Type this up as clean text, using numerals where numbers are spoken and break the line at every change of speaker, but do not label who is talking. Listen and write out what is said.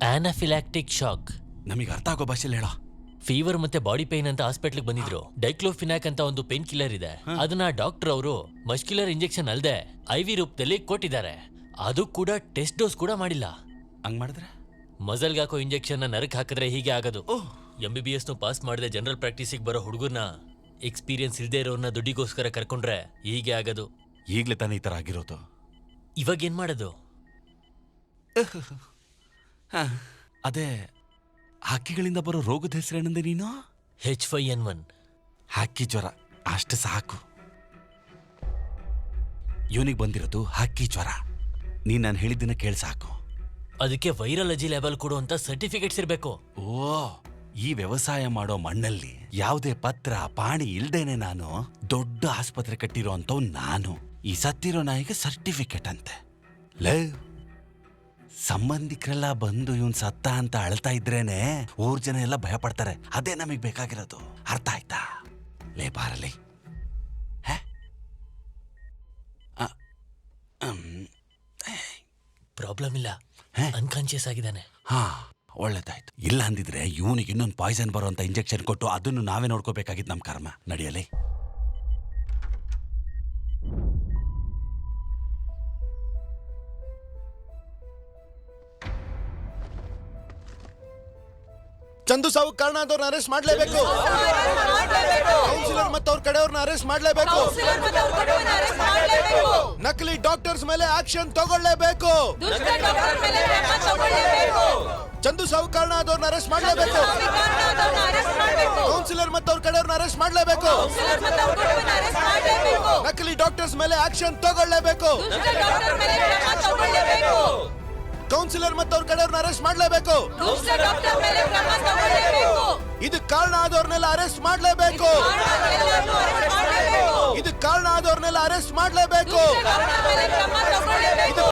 ಆನಾಫಿಲಾಕ್ಟಿಕ್ shock.
ನಮಗೆ ಅರ್ಥ ಆಗೋ ಭಾಷೆಲಿ ಹೇಳೋ.
ಫೀವರ್ ಮತ್ತೆ ಬಾಡಿ ಪೇನ್ ಅಂತ ಹಾಸ್ಪಿಟ್ಲಿಗೆ ಬಂದಿದ್ರು. ಡೈಕ್ಲೋಫಿನಾಕ್ ಅಂತ ಒಂದು ಪೇನ್ ಕಿಲ್ಲರ್ ಇದೆ. ಅದನ್ನ ಡಾಕ್ಟರ್ ಅವರು ಮಸ್ಕ್ಯುಲರ್ ಇಂಜೆಕ್ಷನ್ ಅಲ್ಲದೆ IV ರೂಪದಲ್ಲಿ ಕೊಟ್ಟಿದ್ದಾರೆ. ಅದು ಕೂಡ ಟೆಸ್ಟ್ ಡೋಸ್ ಕೂಡ ಮಾಡಿಲ್ಲ.
ಹಂಗ್ ಮಾಡಿದ್ರೆ
ಮಜಲ್ಗೆ ಹಾಕೋ ಇಂಜೆಕ್ಷನ್ ನರಕ್ ಹಾಕಿದ್ರೆ ಹೀಗೆ ಆಗೋದು. MBBS ಪಾಸ್ ಮಾಡದೆ ಜನರಲ್ ಪ್ರಾಕ್ಟೀಸಿಗೆ ಬರೋ ಹುಡುಗರ್ನ, ಎಕ್ಸ್ಪೀರಿಯನ್ಸ್ ಇಲ್ದೇ ಇರೋರ್ನ ದುಡ್ಡಿಗೋಸ್ಕರ ಕರ್ಕೊಂಡ್ರೆ ಹೀಗೆ ಆಗೋದು.
ಈಗ್ಲೇ ತಾನೇ ಈ ತರ ಆಗಿರೋದು.
ಇವಾಗ ಏನ್ ಮಾಡೋದು?
ಅದೇ ಹಕ್ಕಿಗಳಿಂದ ಬರೋ ರೋಗದ ಹೆಸರೇನಂದೆ ನೀನು?
H5N1.
ಹಕ್ಕಿ ಜ್ವರ ಅಷ್ಟು ಸಾಕು. ಇವನಿಗೆ ಬಂದಿರೋದು ಹಕ್ಕಿ ಜ್ವರ. ನೀನ್ ನಾನು ಹೇಳಿದ್ದನ್ನ ಕೇಳಿ ಸಾಕು.
ಅದಕ್ಕೆ ವೈರಾಲಜಿ ಲೆವೆಲ್ ಕೊಡುವಂತ ಸರ್ಟಿಫಿಕೇಟ್ಸ್ ಇರಬೇಕು.
ಓ, ಈ ವ್ಯವಸಾಯ ಮಾಡೋ ಮಣ್ಣಲ್ಲಿ ಯಾವುದೇ ಪತ್ರ ಪಾಣಿ ಇಲ್ದೇನೆ ನಾನು ದೊಡ್ಡ ಆಸ್ಪತ್ರೆ ಕಟ್ಟಿರೋ ಅಂತವ್ ನಾನು. ಈ ಸತ್ತಿರೋ ನಾಯಿಗೆ ಸರ್ಟಿಫಿಕೇಟ್ ಅಂತೆ. ಲೇ, ಸಂಬಂಧಿಕರೆಲ್ಲ ಬಂದು ಇವನ್ ಸತ್ತ ಅಂತ ಅಳ್ತಾ ಇದ್ರೇನೆ ಊರ್ ಜನ ಎಲ್ಲ ಭಯ ಪಡ್ತಾರೆ. ಅದೇ ನಮಗ್ ಬೇಕಾಗಿರೋದು. ಅರ್ಥ ಆಯ್ತಾ? ಲೇ ಬಾರಲಿ.
ಪ್ರಾಬ್ಲಮ್ ಇಲ್ಲ, ಅನ್ಕಾನ್ಶಿಯಸ್ ಆಗಿದ್ದಾನೆ.
ಹಾ, ಒಳ್ಳೇದಾಯ್ತು. ಇಲ್ಲ ಅಂದಿದ್ರೆ ಇವನಿಗೆ ಇನ್ನೊಂದು ಪಾಯ್ಸನ್ ಬರುವಂತ ಇಂಜೆಕ್ಷನ್ ಕೊಟ್ಟು ಅದನ್ನು ನಾವೇ ನೋಡ್ಕೋಬೇಕಾಗಿತ್ತು. ನಮ್ ಕರ್ಮ. ನಡಿಯಲಿ.
ಚಂದು ಸಾವು ಕಾರಣ ಆದವ್ರನ್ನ ಅರೆಸ್ಟ್ ಮಾಡಲೇಬೇಕು. ಕೌನ್ಸಿಲರ್ ಮತ್ತು ಅವ್ರ ಕಡೆಯವ್ರನ್ನ ಅರೆಸ್ಟ್ ಮಾಡಲೇಬೇಕು. ನಕಲಿ ಡಾಕ್ಟರ್ಸ್ ಮೇಲೆ ಆಕ್ಷನ್ ತಗೊಳ್ಳೇಬೇಕು. ಚಂದು ಸಾವು ಕಾರಣ ಆದವ್ರನ್ನ ಅರೆಸ್ಟ್ ಮಾಡಲೇಬೇಕು. ಕೌನ್ಸಿಲರ್ ಮತ್ತು ಅವ್ರ ಕಡೆಯವ್ರನ್ನ ಅರೆಸ್ಟ್ ಮಾಡಲೇಬೇಕು. ನಕಲಿ ಡಾಕ್ಟರ್ಸ್ ಮೇಲೆ ಆಕ್ಷನ್ ತಗೊಳ್ಳೇಬೇಕು. ಕೌನ್ಸಿಲರ್ ಮತ್ತು ಅವ್ರ ಕಡೆಯವ್ರನ್ನ ಅರೆಸ್ಟ್ ಮಾಡಲೇಬೇಕು. ಇದಕ್ಕೆ ಕಾರಣ ಆದವ್ರನ್ನೆಲ್ಲ ಅರೆಸ್ಟ್ ಮಾಡಲೇಬೇಕು. ಇದಕ್ಕೆ ಕಾರಣ ಆದವ್ರನ್ನೆಲ್ಲ ಅರೆಸ್ಟ್ ಮಾಡಲೇಬೇಕು.